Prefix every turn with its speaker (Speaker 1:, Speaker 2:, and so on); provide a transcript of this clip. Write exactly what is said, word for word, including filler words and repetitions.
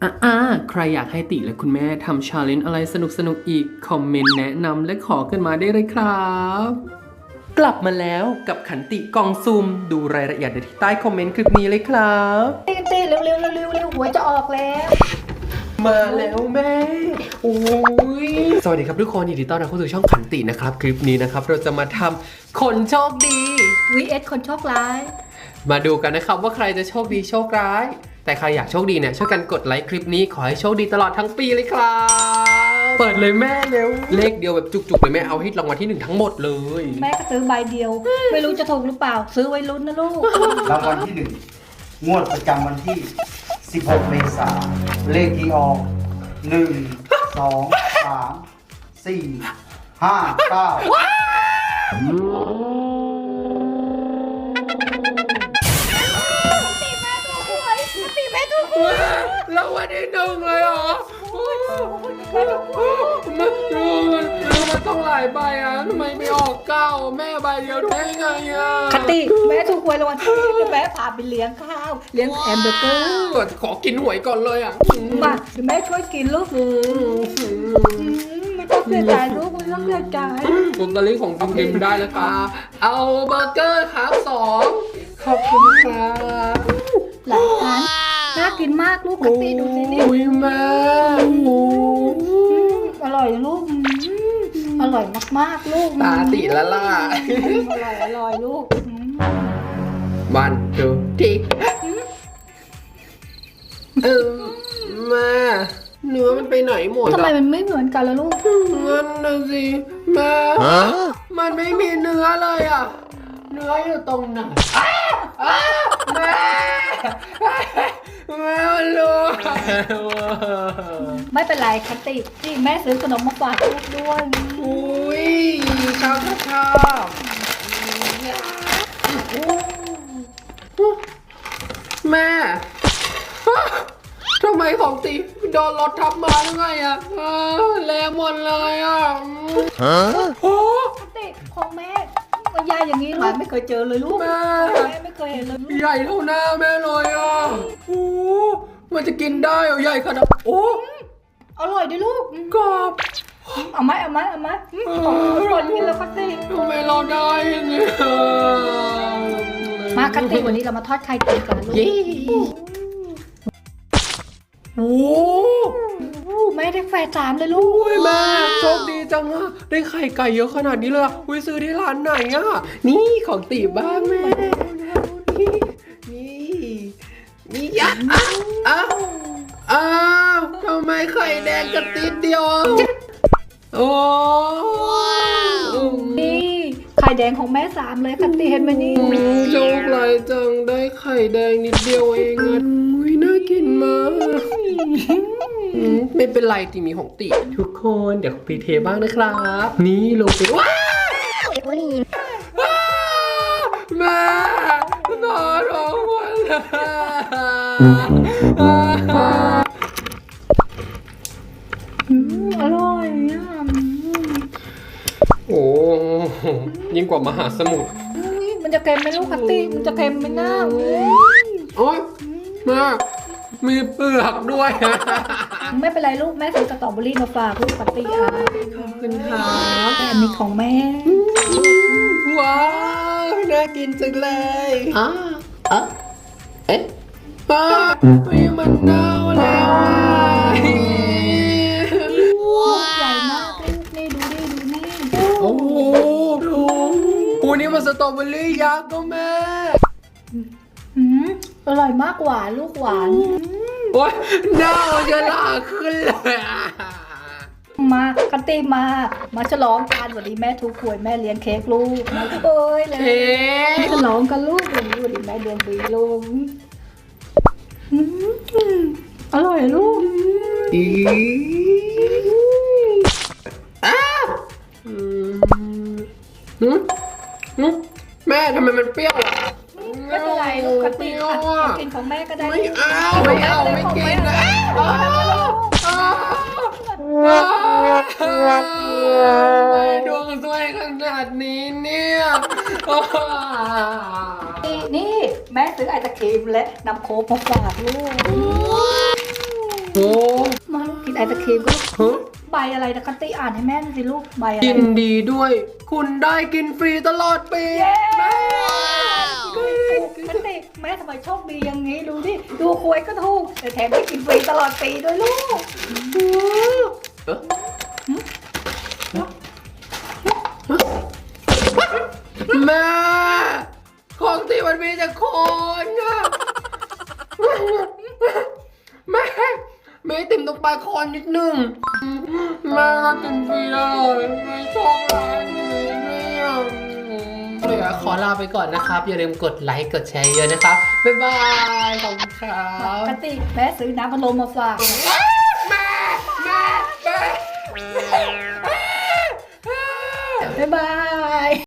Speaker 1: อ่าใครอยากให้ติและคุณแม่ทำชาเลนจ์อะไรสนุกสนุกอีกคอมเมนต์แนะนำและขอกันมาได้เลยครับ กลับมาแล้วกับขันติกองซุ่มดูรายละเอียดได้ที่ใต้คอมเมนต์คลิปนี้เลยครับ
Speaker 2: เต้นเต้นเร็วเร็วเร็วเร็วเร็วหัวจะออกแล้ว
Speaker 1: มาแล้วแม่โอ้ยสวัสดีครับทุกคนยินดีต้อนรับเข้าสู่ช่องขันตินะครับคลิปนี้นะครับเราจะมาทำคนโชคดี
Speaker 2: วี เอส คนโชคร้าย
Speaker 1: มาดูกันนะครับว่าใครจะโชคดีโชคร้ายแต่ใครอยากโชคดีเนี่ยช่วยกันกดไลค์คลิปนี้ขอให้โชคดีตลอดทั้งปีเลยครับเปิดเลยแม่เร็วเลขเดียวแบบจุกๆเลยแม่เอาให้รางวัลที่หนึ่งทั้งหมดเลย
Speaker 2: แม่ก็ซื้อใบเดียว ไม่รู้จะถูกหรือเปล่า ซื้อไว้ลุ้นนะลูก
Speaker 3: รางวัลที่หนึ่งงวดประจำวันที่ สิบหก เมษายน เลขที่ออก หนึ่ง สอง สาม สี่ ห้า เก้า
Speaker 1: รางวัลที่หนึ่งเลยเหรอมันมันมันต้องหลายใบอ่ะทำไมไม่ออกเก้าแม่ใบเดียวได้ไงอ่ะ
Speaker 2: คติแม่ถูกหวยรางวัลที่หนึ่งแล้วแม่พาไปเลี้ยงข้าว เลี้ยงแฮมเบอร์เกอร์
Speaker 1: ก่อนขอกินหวยก่อนเลยอ่ะ
Speaker 2: มาเดี๋ยวแม่ช่วยกินลูกอืมไม่ต้องเสียใจลูกไม่ต้องเสียใจ
Speaker 1: ลอตเตอรี่ของจริงๆได้แล้วครับเอาเบอร์เกอร์ครับสองขอบคุณครับ
Speaker 2: หลายร้านน่ากินมากลูกคติดูสินี่
Speaker 1: อุ้ยแม่โอ้
Speaker 2: อร่อยลูกอืมอร่อยมากๆลูก
Speaker 1: ตาติละล่ะ
Speaker 2: อร่อยอร่อยลูกอืม
Speaker 1: วันดูทีเออแม่เนื้อมันไปไหนหมด
Speaker 2: ทำไม
Speaker 1: อะ
Speaker 2: มันไม่เหมือนกันล่ะลูก
Speaker 1: งั้นนะสิแม่มันไม่มีเนื้อเลยอ่ะ เนื้ออยู่ตรงไหนอ้าอ้าแม่แม่มันรู้
Speaker 2: ไม่เป็นไรคติที่แม่ซื้อขนมมาฝากลูกด้วย
Speaker 1: อุ้ยชอบชอบชอบแม่ทำไมของตีโดนรถทับมาหรือไงอ่ะเออแรงหมดเลยอ่ะโอ้
Speaker 2: คติของแม่ก็ยายอย่างนี้ลูกไม่เคยเจอเลยลูก
Speaker 1: แม่
Speaker 2: แม่ไม่เคยเห็นเลยลูก
Speaker 1: ใหญ่เท่าหน้าแม่เลยอ่ะโอ้มันจะกินได้เหรอใหญ่ขนาดโอ้
Speaker 2: อร่อยดิลูก
Speaker 1: กรอบ
Speaker 2: เอาไหมเอาไหมเอาไหมของคนกินแล้วคติ
Speaker 1: ทำไมเราได้อย่างเงี้ย
Speaker 2: มาคติวันนี้เรามาทอดไข่เจียวกันลูก
Speaker 1: เย้โอ้
Speaker 2: โอ้แม่ได้แฝดสามเลยลูก
Speaker 1: อุ้ยแม่โชคดีจังอะได้ไข่ไก่เยอะขนาดนี้เลยอะอุ้ยซื้อที่ร้านไหนอะนี่ของตีบ้างแม่นี่นี่นี่ยะอ้าวอ้าวอ้าวทำไมไข่แดงกระติดเดียวอะโอ้
Speaker 2: นี่ไข่แดงของแม่สามเลยคติเห็นไหมนี่
Speaker 1: โชคร้ายจังได้ไข่แดงนิดเดียวเองอะอุ้ยน่ากินมากอืมไม่เป็นไรตีมีของติทุกคนเดี๋ยวพีเทบ้างนะครับ นี่ลงไปว้าวว้าวแม่นอนร้องวันเลย
Speaker 2: อืมอร่อยอ่ะ
Speaker 1: โอ้ยิ่งกว่ามหาสมุทร
Speaker 2: อุ๊ยมันจะเค็มไหมลูกคติมันจะเค็มไหมหน้าอุ๊ย
Speaker 1: โอ้ยมากมีเปลือกด้วย
Speaker 2: ไม่เป็นไรลูกแม่ซื้อสตรอเบอรี่มาฝากลูกคติอ่ะ
Speaker 1: ขอบคุณครับ
Speaker 2: แต่อันนี้ของแม่
Speaker 1: ว้าวน่ากินจังเลยอ่าอ่ะเอ๊ะป้าไม่มันเน่าแล้วอ่ะ
Speaker 2: ลูกใหญ่มากลูกนี่ดูดิดูนี่
Speaker 1: โอ้โหดูโอ้นี่มันสตรอเบอรี่ยักษ์ก็แม่
Speaker 2: อืมอร่อยมากหวานลูกหวาน
Speaker 1: โอ้ยเน่าจะลากขึ้นเลยอ่ะ
Speaker 2: มาคันตีมา มาฉลองกันวันนี้แม่ทุกขวยแม่เลี้ยงเค้กลูกมาเอ้ยเลย
Speaker 1: เอ๊ะ
Speaker 2: ฉลองกันลูกวันนี้วันนี้แม่เลี้ยงบีลูกอืมอร่อยลูก
Speaker 1: อีอ้าอืมหืมหืมแม่ทำไมมันเปรี้ยวอ่ะ
Speaker 2: ไม่เป็นไรลูกคันตี
Speaker 1: เปรี้ยว
Speaker 2: ค่ะ
Speaker 1: อ่ะ
Speaker 2: กินของแม่ก็ได้
Speaker 1: ไม่เอาไม่เอาไม่กินนะอ้าวอ้าวอ้าวไม่ดวงสวยขนาดนี้เนี่ยอ้าว
Speaker 2: นี่นี่แม่ซื้อไอศครีมและน้ำโค้กมาฝากลูก
Speaker 1: โอ้
Speaker 2: มากินไอศครีมก็
Speaker 1: ฮะ
Speaker 2: ใบอะไรนะคัตตี้อ่านให้แม่หน่อยสิลูกใบอะไร
Speaker 1: ยินดีด้วย คุณได้กินฟรีตลอดปี
Speaker 2: เย้
Speaker 1: แม่
Speaker 2: คัตตี้แม่ทำไมโชคดีอย่างนี้ดูดิดูควยก็ถูกแต่แถมได้กินฟรีตลอดปีด้วยลูก
Speaker 1: เอ๊ะแม่ของที่มันมีแต่คนอะแม่แม่ติ่มต้องไปคอนนิดนึงแม่ก็กินฟรีเลยไม่ชอบร้านนี้เนี่ยเดี๋ยวขอลาไปก่อนนะครับ อย่าลืมกดไลค์กดแชร์เยอะนะครับ บ๊ายบาย ขอบคุณครับ
Speaker 2: คัตตี้แม่ซื้อน้ำพัดลมมาฝาก
Speaker 1: แม่แม่แม่
Speaker 2: บ๊ายบาย